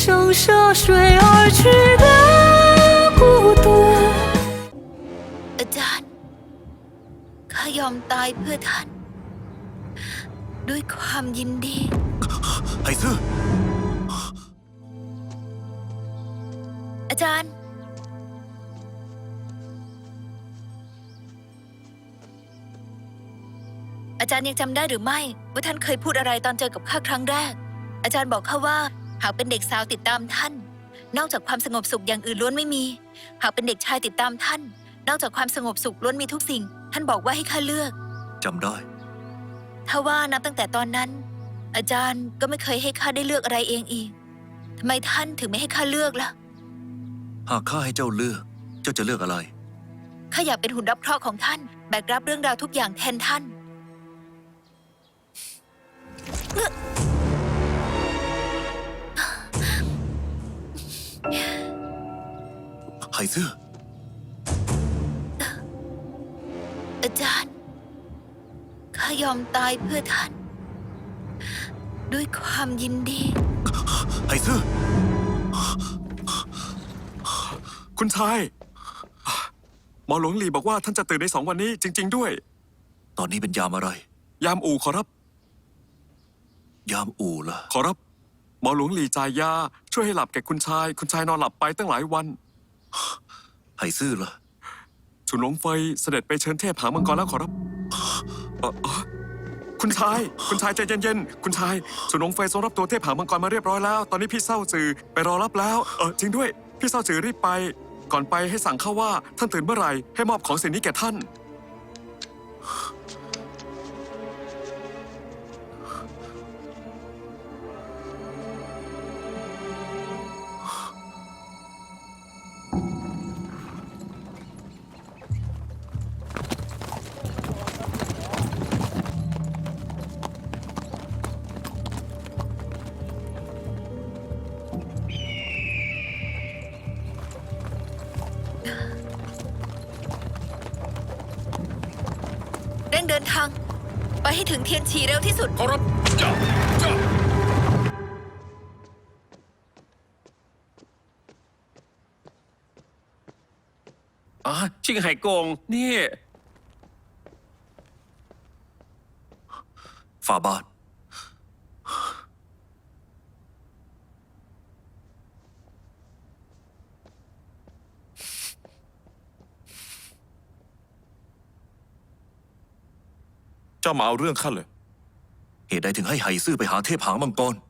生涉水而去的孤独。 อาจารย์ข้ายอมตายเพื่อท่าน ด้วยความยินดีไห่ซื่ออาจารย์ อาจารย์ยังจำได้หรือไม่ว่าท่านเคยพูดอะไรตอนเจอกับข้าครั้งแรก อาจารย์บอกข้าว่าหากเป็นเด็กสาวติดตามท่าน นอกจากความสงบสุขอย่างอื่นล้วนไม่มี หากเป็นเด็กชายติดตามท่าน นอกจากความสงบสุขล้วนมีทุกสิ่ง ท่านบอกว่าให้ข้าเลือกจำได้ถ้าว่านับตั้งแต่ตอนนั้น อาจารย์ก็ไม่เคยให้ข้าได้เลือกอะไรเองอีกทำไมท่านถึงไม่ให้ข้าเลือกล่ะหากข้าให้เจ้าเลือก เจ้าจะเลือกอะไรข้าอยากเป็นหุ่นรับเคราะห์ของท่าน แบกรับเรื่องราวทุกอย่างแทนท่านไห่ซื่ออาจารย์ ข้ายอมตายเพื่อท่าน ด้วยความยินดีไห่ซื่อคุณชายหมอหลวงหลีบอกว่าท่านจะตื่นใน2 วันนี้จริง ๆ ด้วยตอนนี้เป็นยามอะไรยามอู่ขอรับยามอู่ล่ะขอรับ หมอหลวงหลีจ่ายยาช่วยให้หลับแก่คุณชาย คุณชายนอนหลับไปตั้งหลายวันไห่ซื่อล่ะฉุนหลงเฟยเสด็จไปเชิญเทพหางมังกรแล้วขอรับคุณชายใจเย็นๆคุณชายฉุนหลงเฟยทรงรับตัวเทพหางมังกรมาเรียบร้อยแล้ว ตอนนี้พี่เศร้าจือไปรอรับแล้วจริงด้วยพี่เศร้าจือรีบไป ก่อนไปให้สั่งเข้าว่าท่านตื่นเมื่อไหร่ให้มอบของสิ่งนี้แก่ท่านเร่งเดินทาง ไปให้ถึงเทียนฉีเร็วที่สุดขอรับจ้าชิงไห่กงนี่ฝ่าบาทเจ้ามาเอาเรื่องข้าเลยเหตุใดถึงให้ไห่ซื่อไปหาเทพหางมังกร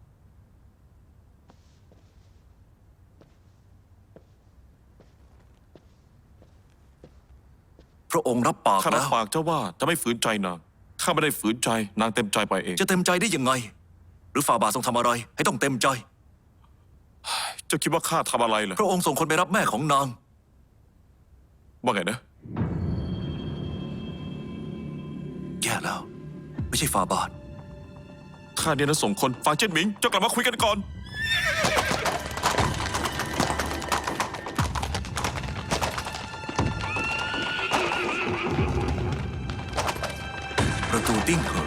พระองค์รับปากข้ารัแล้บวปากเจ้าว่าจะไม่ฝืนใจนาง ข้าไม่ได้ฝืนใจ นางเต็มใจไปเองจะเต็มใจได้ยังไง หรือฝ่าบาททรงทำอะไร ให้ต้องเต็มใจเจ้าคิดว่าข้าทำอะไรเหรอพระองค์ส่งคนไปรับแม่ของนางว่าไงนะแย่แล้ว ไม่ใช่ฝ่าบาทข้าเนี่ยนะส่งคนฝากเจิ้นหมิง เจ้ากลับมาคุยกันก่อนประตูติ้งเหอ